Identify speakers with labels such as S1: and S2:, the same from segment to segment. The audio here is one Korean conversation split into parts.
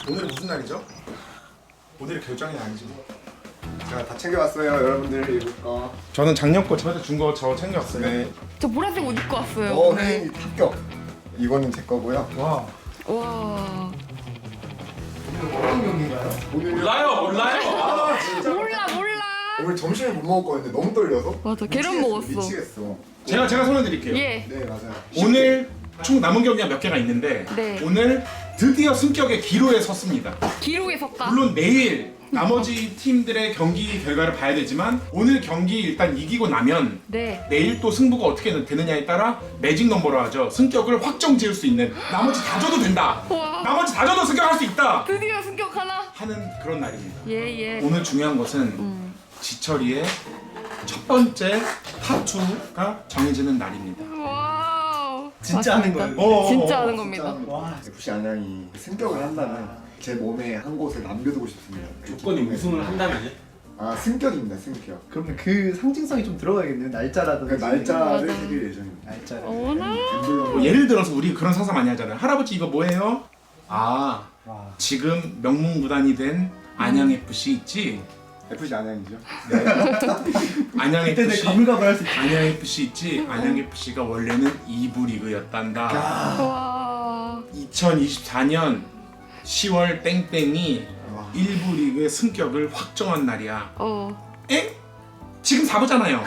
S1: 오늘은 무슨 날이죠? 오늘이 결정이 아니지 뭐.
S2: 제가 다 챙겨왔어요, 여러분들 입을 거.
S1: 저는 작년 거 저한테 준 거 저 챙겨왔어요.
S2: 네.
S3: 저 보라색 옷 입고 왔어요.
S2: 네, 합격. 이거는 제 거고요.
S1: 와.
S3: 와.
S2: 어떤 경기인가요? 오늘
S4: 몰라요.
S2: 아 진짜.
S3: 몰라.
S2: 오늘 점심을 못 먹었거든요. 너무 떨려서.
S3: 맞아, 계란
S2: 미치겠어,
S3: 먹었어.
S2: 미치겠어.
S1: 제가 설명드릴게요.
S3: 예.
S2: 네 맞아요.
S1: 오늘 총 남은 경기가 몇 개가 있는데
S3: 네.
S1: 오늘 드디어 승격의 기로에 섰습니다.
S3: 기록에 섰다.
S1: 물론 내일 나머지 팀들의 경기 결과를 봐야 되지만 오늘 경기 일단 이기고 나면
S3: 네.
S1: 내일 또 승부가 어떻게 되느냐에 따라 매직 넘버로 하죠. 승격을 확정 지을 수 있는 나머지 다 줘도 된다.
S3: 와.
S1: 나머지 다 줘도 승격할 수 있다.
S3: 드디어 승격 하나.
S1: 하는 그런 날입니다.
S3: 예.
S1: 오늘 중요한 것은 지철이의 첫 번째 타투가 정해지는 날입니다.
S3: 와우.
S5: 진짜 하는
S3: 맞습니다.
S5: 거예요?
S3: 진짜 하는 겁니다.
S5: 와,
S2: FC 안양이 승격을 한다면 제 몸에 한 곳을 남겨두고 싶습니다.
S4: 조건이 우승을 한다면요?
S2: 아 승격입니다, 승격.
S5: 그러면 그 상징성이 좀 들어가겠네요. 날짜라든지.
S2: 그 날짜를
S3: 맞아.
S2: 새길 예정입니다.
S5: 날짜를.
S3: 어머나.
S1: 뭐 예를 들어서 우리 그런 상상 많이 하잖아요. 할아버지 이거 뭐예요? 아
S5: 와.
S1: 지금 명문구단이 된 안양FC 있지?
S2: FC 안양이죠.
S5: 그때 내
S1: 안양FC
S5: 가물가물할 수 있다.
S1: 안양FC 있지? 안양FC가 원래는 2부 리그였단다.
S3: 와.
S1: 2024년 10월 땡땡이
S2: 와.
S1: 1부 리그의 승격을 확정한 날이야. 엥? 지금 4부잖아요.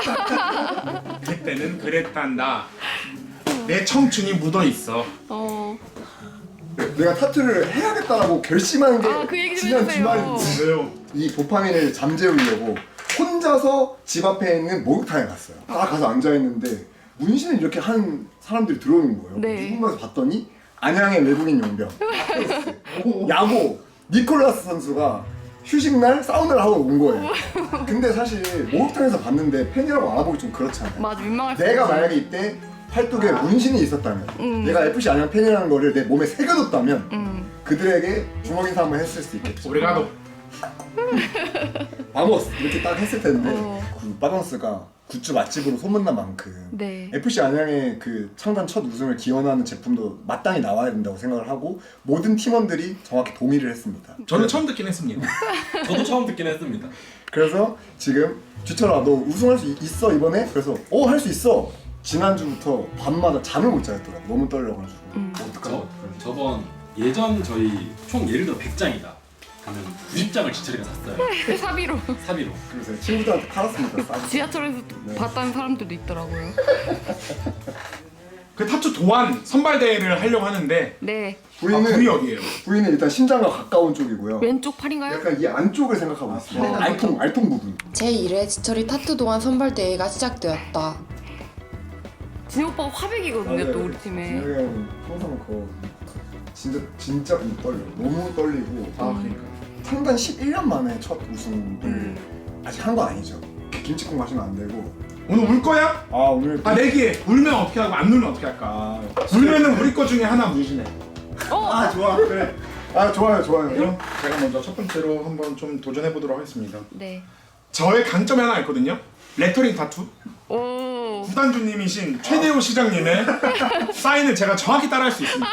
S1: 그때는 그랬단다. 내 청춘이 묻어있어.
S2: 내가 타투를 해야겠다라고 결심한 게
S3: 아, 그 얘기 좀
S2: 지난
S3: 해주세요.
S2: 주말인데
S1: 왜요?
S2: 이 도파민을 잠재우려고 혼자서 집 앞에 있는 목욕탕에 갔어요. 딱 가서 앉아있는데 문신을 이렇게 한 사람들이 들어오는 거예요.
S3: 네.
S2: 누군가서 봤더니 안양의 외국인 용병 야구 니콜라스 선수가 휴식날 사우나를 하고 온 거예요. 근데 사실 목욕탕에서 봤는데 팬이라고 알아보기 좀 그렇잖아요.
S3: 맞아, 민망할 수
S2: 내가
S3: 있지.
S2: 만약에 이때 팔뚝에 문신이 있었다면 내가 FC 안양 팬이라는 거를 내 몸에 새겨뒀다면 그들에게 주먹 인사 한번 했을 수 있겠죠.
S1: 오레가도.
S2: 바모스 이렇게 딱 했을 텐데
S3: 어.
S2: 그 바모스가 굿즈 맛집으로 소문난 만큼
S3: 네.
S2: FC 안양의 그 창단 첫 우승을 기원하는 제품도 마땅히 나와야 된다고 생각을 하고 모든 팀원들이 정확히 동의를 했습니다.
S1: 저는 처음 듣긴 했습니다.
S4: 저도 처음 듣긴 했습니다.
S2: 그래서 지금 주철아 너 우승할 수 있어 이번에? 그래서 할 수 있어. 지난주부터 밤마다 잠을 못 자겠더라. 너무 떨려가지고. 어떡하죠?
S4: 저번 예전 저희 총 예를 들어 100장이다 하면 90장을 지철이가 샀어요.
S3: 사비로.
S4: 사비로.
S2: 그래서 친구들한테 팔았습니다. 싸게.
S3: 지하철에서
S2: 네.
S3: 봤다는 사람들도 있더라고요.
S1: 그 타투 도안 선발 대회를 하려고 하는데
S3: 네.
S1: 부위 어디예요?
S2: 부위는 일단 심장과 가까운 쪽이고요.
S3: 왼쪽 팔인가요?
S2: 약간 이 안쪽을 생각하고 있습니다. 알통 부분.
S6: 제1회 지철이 타투 동안 선발대회가 시작되었다.
S3: 진혁 오빠가 화백이거든요, 또 우리 팀에.
S2: 진혁이 형은 항상 진짜 못 떨려. 너무 떨리고.
S1: 그러니까.
S2: 창단 11년 만에 첫 우승을 아직 한 거 아니죠. 김치국 마시면 안 되고.
S1: 오늘 울 거야?
S2: 아 오늘
S1: 내기. 울면 어떻게 하고 안 울면 어떻게 할까? 울면은 우리 거 중에 하나 무신해.
S5: 아, 좋아. 그래.
S2: 아 좋아요.
S1: 그럼 제가 먼저 첫 번째로 한번 좀 도전해 보도록 하겠습니다.
S3: 네.
S1: 저의 강점이 하나 있거든요. 레터링 타투.
S3: 오.
S1: 구단주님이신 최대호 시장님의 사인을 제가 정확히 따라할 수 있습니다.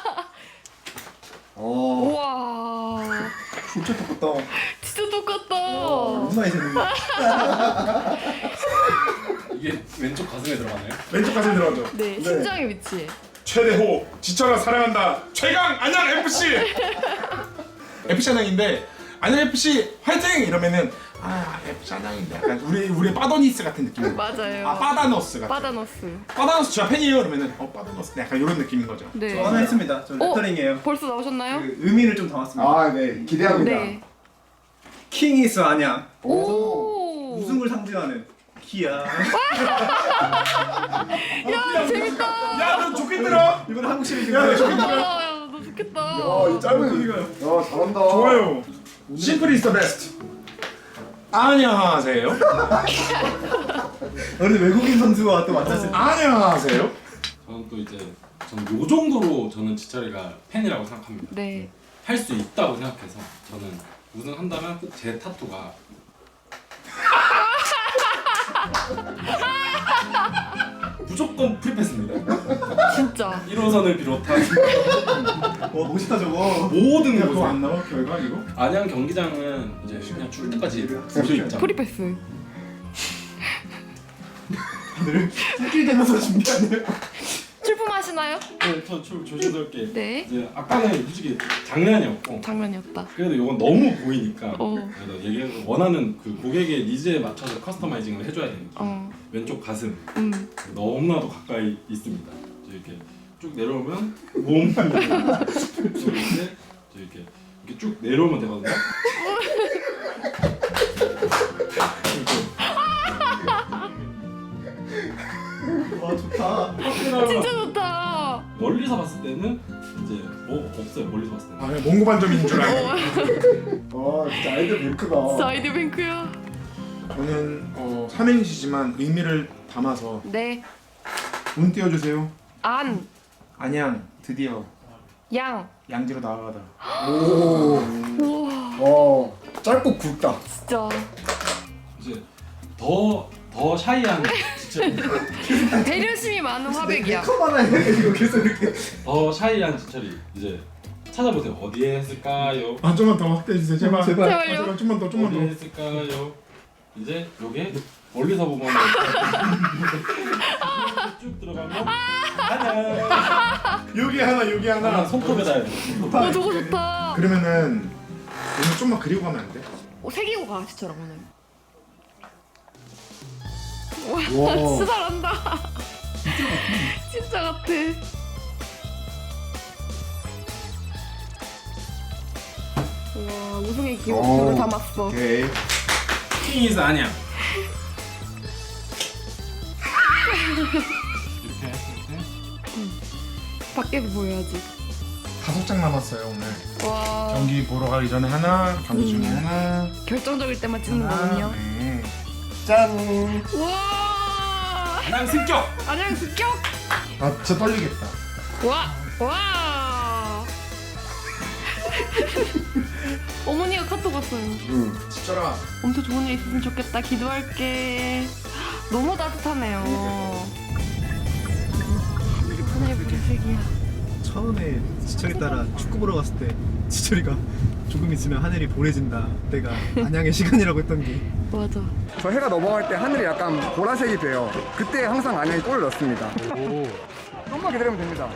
S3: 우와.
S2: 진짜 똑같다.
S3: 진짜 똑같다.
S5: 엄마 이제 눈.
S4: 이게 왼쪽 가슴에 들어가나요?
S1: 왼쪽 가슴 들어가죠.
S3: 네, 심장의 위치.
S1: 최대호 지철아 사랑한다. 최강 안양 FC. FC 안양인데 안양 FC 화이팅 이러면은 FC 안양인데 약간 우리 빠더니스 같은 느낌.
S3: 맞아요.
S1: 빠다너스 같은.
S3: 바다너스.
S1: 빠다너스 제가 팬이에요 그러면은 빠다너스 약간 이런 느낌인 거죠.
S3: 네.
S5: 저 하나 했습니다. 저 레터링이에요.
S3: 벌써 나오셨나요?
S5: 그 의미를 좀 담았습니다.
S2: 아 네 기대합니다.
S3: 네.
S5: 킹이스 안양.
S3: 오.
S5: 우승을 상징하는 기아.
S3: 야, 재밌다.
S1: 야 너 좋겠더라.
S5: 이번 한국 시리즈.
S1: 야,
S3: 야, 너 좋겠다.
S2: 이 짧은. 야 잘한다.
S1: 좋아요. 심플 이즈 더 베스트. 안녕하세요.
S5: 너는 외국인 선수와 또 만났을 때.
S1: 안녕하세요.
S4: 저는 또 이제 저는 요 정도로 저는 지철이가 팬이라고 생각합니다.
S3: 네.
S4: 할 수 있다고 생각해서 저는 우승한다면 제 타투가 무조건 프리패스입니다.
S3: 진짜.
S4: 1호선을 비롯한
S5: 와 멋있다 저거.
S4: 모든
S1: 그거
S4: 곳에
S1: 안 나와 결과 이거?
S4: 안양 경기장은 이제 그냥 출 때까지 무조 입장.
S3: 프리패스.
S5: 다들 손길 대면서 준비하네요.
S3: 출품하시나요?
S4: 네, 저 조심스럽게.
S3: 네.
S4: 이제 아까는 솔직히 장난이었고
S3: 장난이었다.
S4: 그래도 이건 너무 보이니까
S3: 어.
S4: 그래서 얘기해서 원하는 그 고객의 니즈에 맞춰서 커스터마이징을 해줘야 되니까
S3: 어.
S4: 왼쪽 가슴
S3: 음.
S4: 너무나도 가까이 있습니다. 이렇게 쭉 내려오면 몸 이렇게 쭉 내려오면 되거든요.
S5: 와 좋다.
S3: 진짜 좋다.
S4: 멀리서 봤을 때는 이제 없어요. 멀리서 봤을 때는.
S1: 아 그냥 몽고 반점인 줄 알고.
S2: 와 진짜 아이들 뱅크다.
S3: 사이드 뱅크야.
S1: 저는 삼행시지만 의미를 담아서
S3: 네.
S1: 운 띄워주세요.
S3: 안.
S1: 안양 드디어
S3: 양.
S1: 양지로 나아가다.
S2: 오.
S3: 우와.
S2: 와 짧고 굵다.
S3: 진짜.
S4: 이제 더 샤이한 지철이
S3: 배려심이 많은 화백이야.
S2: 카메라 해 이거 계속 이렇게.
S4: 더 샤이한 지철이 이제 찾아보세요. 어디에 했을까요?
S1: 아 좀만 더 확대해 주세요 제발.
S5: 제발.
S1: 아, 제발 좀만 더 좀만
S4: 어디에
S1: 더.
S4: 했을까요? 이제 요게 멀리서 보면 쭉 들어가면 하나
S1: 여기 하나 여기 하나.
S4: 손톱에다 해야 돼.
S3: 어 저거 좋다.
S1: 그러면은 오늘 좀만 그리고 가면 안 돼?
S3: 새기고 가 지처럼 오늘.
S2: 와.
S3: 와 진짜 잘한다. 진짜 같아. 와 우승의 기록들을
S2: 오.
S3: 담았어.
S2: 오케이.
S4: 킹이스 안양. 이렇게 했을 때
S3: 밖에서 보여야지.
S1: 5장 남았어요 오늘.
S3: 와
S1: 경기 보러 가기 전에 하나, 경기 중에 하나.
S3: 결정적일 때만 찍는 거군요.
S1: 네.
S2: 짠.
S3: 와
S4: 안양 승격.
S3: 안녕 습격.
S1: 아 진짜 떨리겠다.
S3: 와. 어머니가 카톡 왔어요.
S1: 지철아.
S3: 엄청 좋은 일 있었으면 좋겠다. 기도할게. 너무 따뜻하네요. 하늘의 불색이야.
S5: 처음에 지철이 따라 축구 보러 갔을 때 지철이가 조금 있으면 하늘이 보래진다. 내가 안양의 시간이라고 했던 게.
S3: 맞아.
S2: 저 해가 넘어갈 때 하늘이 약간 보라색이 돼요. 그때 항상 안양이 골을 넣습니다. 좀만 기다리면 됩니다.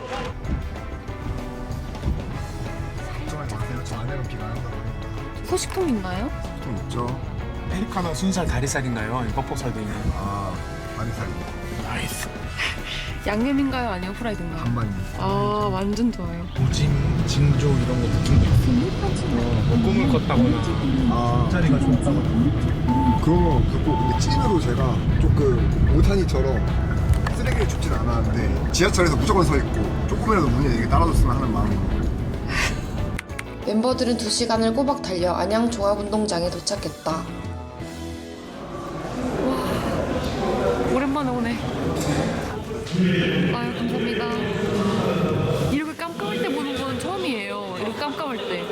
S2: 걱정하지 마세요. 저 안양은 비가 안 온다고.
S3: 소식통 있나요?
S2: 좀 있죠.
S1: 페리카노 순살 다리살인가요? 뻑뻑살 돼 있는.
S2: 아, 다리살이
S1: 나이스.
S3: 양념인가요? 아니면 후라이드인가요?
S2: 반반입니다.
S3: 아 완전 좋아요.
S1: 오징, 징조 이런 거 느낀 거 있어. 뭐 꿈을 꿨다거나.
S2: 아,
S5: 자리가 좋다고.
S7: 그런 거 그렇고 근데 찐으로 제가 조금 오타니처럼 쓰레기를 줍진 않았는데 지하철에서 무조건 서 있고 조금이라도 문이 이게 따라줬으면 하는 마음으로.
S6: 멤버들은 2시간을 꼬박 달려 안양 종합운동장에 도착했다.
S3: 오랜만에 오네. 아유 감사합니다. 이렇게 깜깜할 때 보는 건 처음이에요. 이렇게 깜깜할 때.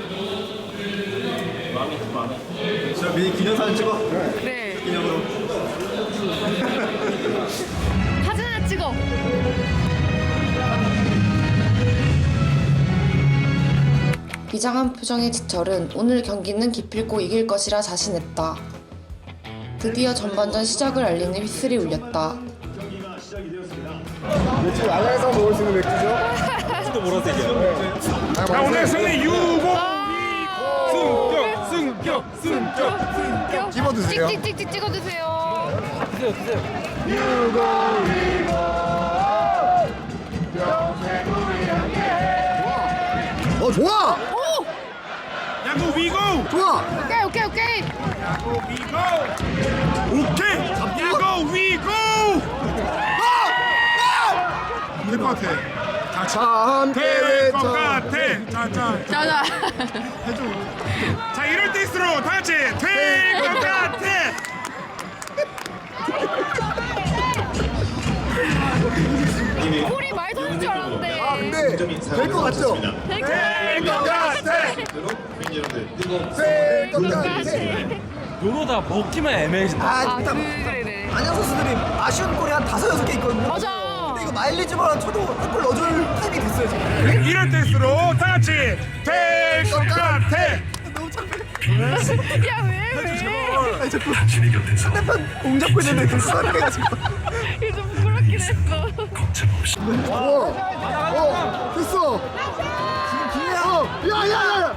S5: 저 미리 기념사진 찍어.
S3: 그래.
S5: 기념으로.
S3: 사진 하나 찍어.
S6: 비장한 표정의 지철은 오늘 경기는 기필코 이길 것이라 자신했다. 드디어 전반전 시작을 알리는 휘슬이 울렸다.
S2: 지금 안양에서 먹을 수 있는 맥주죠?
S4: 진짜 보라색이야.
S1: 자 오늘 승리 유고.
S3: 아,
S1: 승격.
S2: 집어드세요.
S6: 찍찍찍찍 찍어주세요.
S2: 좋아!
S1: 야구 위고.
S2: 좋아!
S3: 오케이.
S1: 야구 위고. 오케이. 야구 위고. 될것 같아.
S2: 자, 함께
S1: 될 것
S2: 외쳐.
S1: 같아. 자.
S3: 자자.
S1: 자 이럴 때일수록 다 같이 될 것 같아.
S3: 콜이 말도 하는 줄 알았는데.
S2: 근데 될 것 같죠?
S1: 될 것 같아.
S2: 될 것 같아.
S4: 요러다 먹기만 애매해진다.
S3: 아 그래.
S5: 안양 선수들이 아쉬운 골이 한 5-6개 있거든요.
S3: 맞아.
S5: 근데 이거 마일리지만 쳐도 한 골 넣어줄 타임이 됐어요 지금.
S1: 이럴 때일수록 다 같이 될 것 같아.
S5: 너무 창피해.
S3: 야 왜?
S5: 아니 자꾸 상대편 공 잡고 있는데 계속 사랑해가지고.
S3: 이거 좀 부끄럽긴 했어.
S7: 됐어. 지금 기회야. 야야야.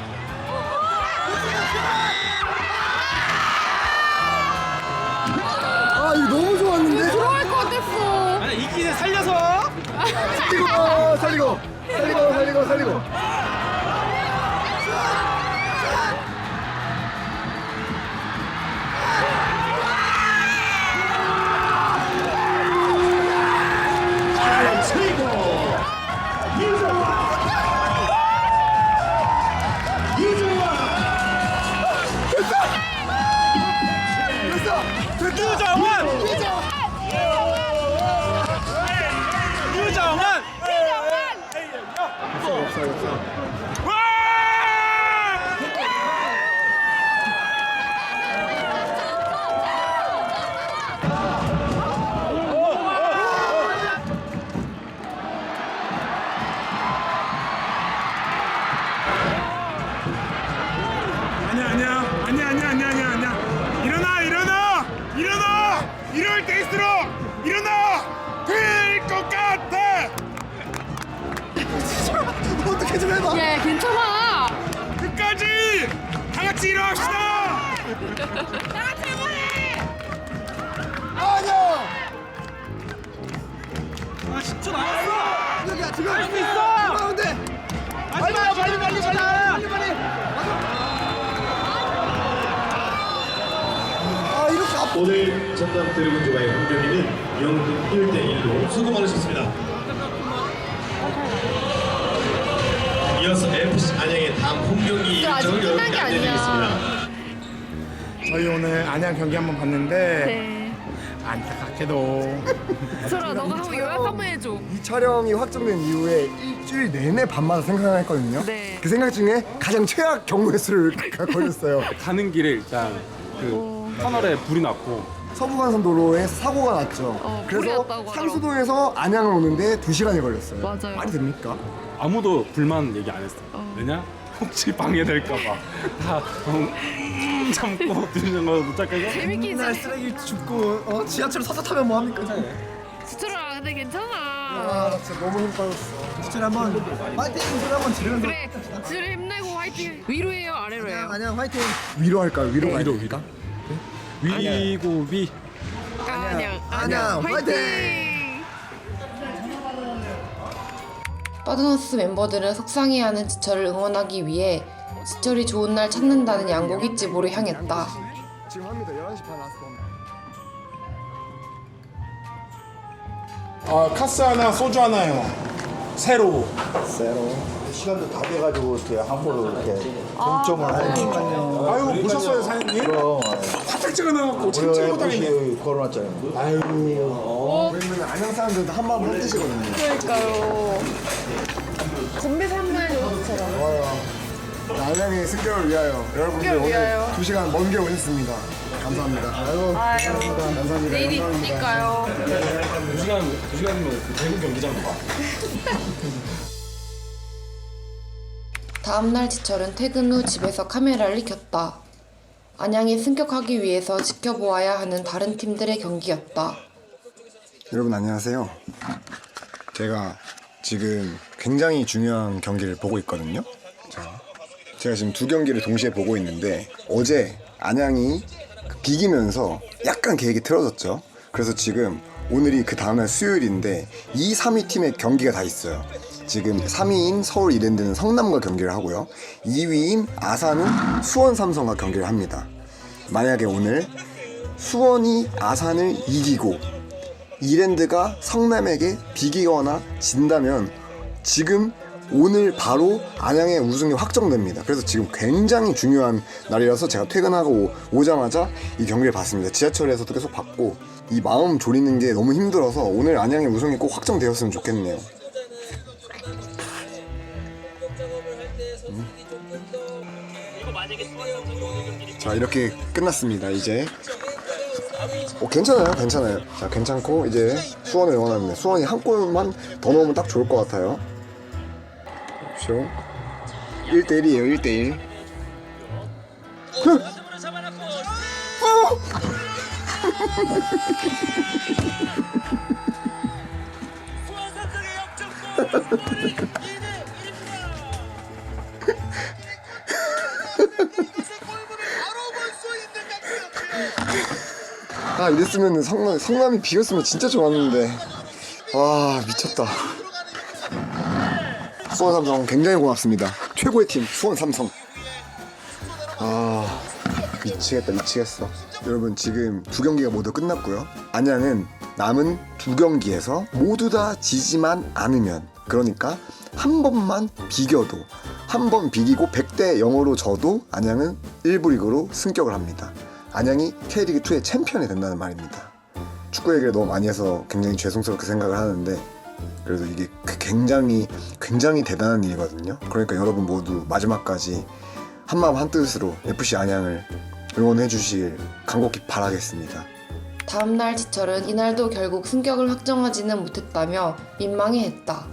S7: 아 이거 너무 좋았는데.
S3: 들어갈 것 같았어.
S5: 아니 이기에 살려서.
S7: 살리고.
S1: 아니야. 일어나. 이럴 때일수록 일어나. 될 것 같아.
S5: 어떻게 좀 해봐.
S3: 야 괜찮아.
S1: 끝까지 다 같이 일어납시다.
S7: 아니야.
S5: 아 10초 남았어. 여기야 지금 할 수 있어. 가운데. 빨리.
S7: 아 이렇게 앞.
S8: 오늘 전남 드래곤즈와의 공격에는 0대1로 수고 많으셨습니다. 이어서 FC 안양의 다음 홈경기
S3: 이거 아직
S8: 일정을
S3: 끝난 게
S8: 여러분께
S3: 아니야.
S8: 안내드리겠습니다.
S1: 저희 오늘 안양 경기 한번 봤는데
S3: 네.
S1: 안타깝게도
S3: 설아 너가 한번 요약 한번 해줘.
S7: 이 촬영이 확정된 이후에 일주일 내내 밤마다 생각했거든요.
S3: 네.
S7: 그 생각 중에 가장 최악 경우의 수를 걸렸어요.
S4: 가는 길에 일단 그 터널에 불이 났고
S7: 서부간선도로에 사고가 났죠.
S3: 불이
S7: 그래서
S3: 났다고 하더라고.
S7: 상수동에서 안양을 오는데 2시간이 걸렸어요.
S3: 맞아요.
S7: 말이 됩니까?
S4: 아무도 불만 얘기 안 했어. 왜냐? 혹시 방해될까봐 다 참고 드시는 거 도착해서
S3: 재밌게
S5: 맨날
S3: 있어.
S5: 쓰레기 줍고 지하철 서서 타면 뭐 합니까?
S3: 수철아 근데 괜찮아.
S7: 아 진짜 너무 힘 빠졌어.
S5: 진짜 한번 파이팅 소리 한번 지르면서.
S3: 그래. 지를 힘내고 화이팅. 위로해요 아래로 해요.
S5: 안녕 화이팅.
S7: 위로할까요? 위로가 아닙니까?
S4: 위고 위.
S3: 안녕 화이팅.
S6: 빠드너스 멤버들은 속상해하는 지철을 응원하기 위해 지철이 좋은 날 찾는다는 양고기 집으로 향했다.
S7: 지금 합니다. 11시 반 라스트.
S1: 카스 하나, 소주 하나요. 새로.
S9: 시간도 다 돼가지고 이렇게 함부로 이렇게 동점을 하니까.
S1: 아유 보셨어요 사장님?
S9: 그럼
S1: 살짝 찍어놔갖고 참
S9: 우리가
S1: 찍고 다니네.
S9: FC 걸어놨잖아요.
S7: 왜냐면 안양 사람들도 한 마음 한 뜻이거든요.
S3: 그러니까요. 건배 3만
S7: 안양의 승격을 위하여 여러분들 오늘 2시간 먼 길 오셨습니다. 감사합니다. 감사합니다.
S3: 내일이 있으니까요.
S4: 2시간이면 대구 경기장 가.
S6: 다음날 지철은 퇴근 후 집에서 카메라를 켰다. 안양이 승격하기 위해서 지켜보아야 하는 다른 팀들의 경기였다.
S7: 여러분 안녕하세요. 제가 지금 굉장히 중요한 경기를 보고 있거든요. 제가 지금 두 경기를 동시에 보고 있는데 어제 안양이 비기면서 약간 계획이 틀어졌죠. 그래서 지금 오늘이 그 다음날 수요일인데 2, 3위 팀의 경기가 다 있어요. 지금 3위인 서울 이랜드는 성남과 경기를 하고요. 2위인 아산은 수원 삼성과 경기를 합니다. 만약에 오늘 수원이 아산을 이기고 이랜드가 성남에게 비기거나 진다면 지금 오늘 바로 안양의 우승이 확정됩니다. 그래서 지금 굉장히 중요한 날이라서 제가 퇴근하고 오자마자 이 경기를 봤습니다. 지하철에서도 계속 봤고 이 마음 졸이는 게 너무 힘들어서 오늘 안양의 우승이 꼭 확정되었으면 좋겠네요. 자 이렇게 끝났습니다. 이제 괜찮아요, 괜찮아요. 자, 괜찮고 이제 수원을 응원하는데 수원이 한 골만 더 넣으면 딱 좋을 것 같아요. 그렇죠. 1대1이에요, 1대1. 아, 이랬으면 성남이 비겼으면 진짜 좋았는데. 와, 미쳤다. 수원 삼성 굉장히 고맙습니다. 최고의 팀 수원 삼성. 아, 미치겠다, 미치겠어. 여러분, 지금 두 경기가 모두 끝났고요. 안양은 남은 두 경기에서 모두 다 지지만 않으면, 그러니까 한 번만 비겨도, 한 번 비기고 100대 0으로 져도 안양은 1부 리그로 승격을 합니다. 안양이 K리그2의 챔피언이 된다는 말입니다. 축구 얘기를 너무 많이 해서 굉장히 죄송스럽게 생각을 하는데, 그래도 이게 굉장히 대단한 일이거든요. 그러니까 여러분 모두 마지막까지 한마음 한뜻으로 FC 안양을 응원해 주시길 간곡히 바라겠습니다.
S6: 다음날 지철은 이날도 결국 승격을 확정하지는 못했다며 민망해했다.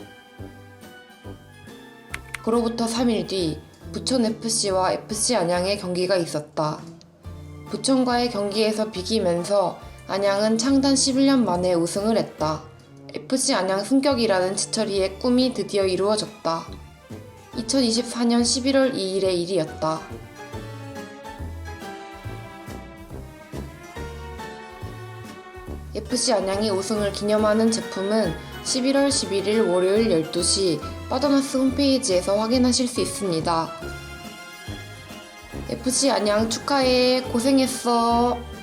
S6: 그로부터 3일 뒤 부천FC와 FC 안양의 경기가 있었다. 부천과의 경기에서 비기면서 안양은 창단 11년 만에 우승을 했다. FC 안양 승격이라는 지철이의 꿈이 드디어 이루어졌다. 2024년 11월 2일의 일이었다. FC 안양이 우승을 기념하는 제품은 11월 11일 월요일 12시 빠더나스 홈페이지에서 확인하실 수 있습니다. FC 안양 축하해. 고생했어.